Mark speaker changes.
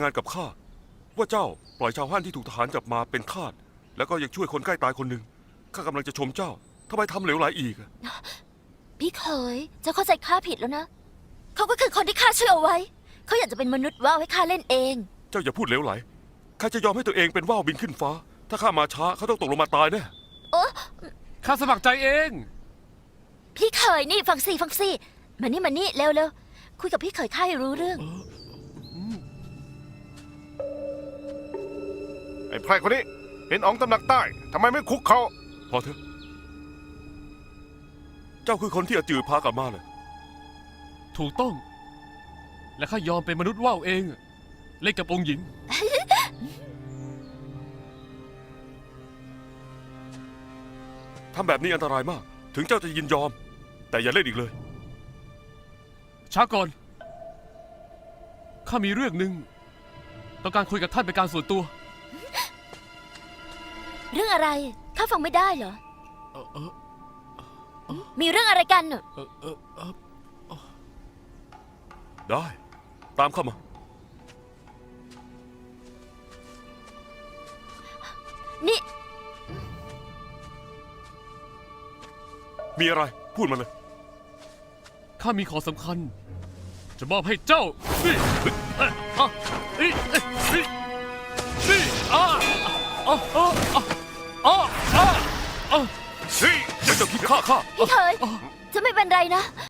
Speaker 1: งานกับข้าว่าเจ้าปล่อยชาวฮั่นที่ถูกทหารจับมาเป็นทาสแล้วก็ยังช่วยคนใกล้ตายคนหนึ่งข้ากำลังจะชมเจ้าทำไมทำเหลวไหลอีกอะ
Speaker 2: พี่เขยเจ้าเข้าใจข้าผิดแล้วนะเขาก็คือคนที่ข้าช่วยเอาไว้เขาอยากจะเป็นมนุษย์ว่าวให้ข้าเล่นเอง
Speaker 1: เจ้าอย่าพูดเหลวไหลข้าจะยอมให้ตัวเองเป็นว่าวบินขึ้นฟ้า ถ้าข้ามาช้าเขาต้องตกลงมาตายแน่
Speaker 3: ข้าสมัครใจเอง
Speaker 2: พี่เขยนี่ฟังสิมานี่เร็วคุยกับพี่เขยข้าให้รู้เรื่อง
Speaker 4: ไอ้ไพร่คนนี้เห็นอ๋องตำหนักใต้ทำไมไม่คุกเขา
Speaker 1: พอเถอะเจ้าคือคนที่อาจือพากลับมาเลย
Speaker 3: ถูกต้อง และข้ายอมเป็นมนุษย์ว่าวเองเล่นกับองค์หญิง
Speaker 1: ทำแบบนี้อันตรายมาก ถึงเจ้าจะยินยอม แต่อย่าเล่นอีกเลย
Speaker 3: ช้าก่อน ข้ามีเรื่องหนึ่งต้องการคุยกับท่านเป็นการส่วนตัว
Speaker 2: เรื่องอะไรข้าฟังไม่ได้เหรอ
Speaker 3: เออเออ
Speaker 2: มีเรื่องอะไรกันน่ะ
Speaker 3: เออเออเออ
Speaker 1: ได้ ตามเข้ามา
Speaker 2: นี่
Speaker 1: มีอะไรพูดมาเลย
Speaker 3: ข้ามีของสำคัญ จะมอบให้เจ้านี่นี่นี่อ่ะอ่ะอ่ะอ่ะอ่ะอ่ะ
Speaker 1: เฮ้ยเจ้าคิดฆ่าข้า
Speaker 2: พี่เขยจะไม่เป็นไรนะ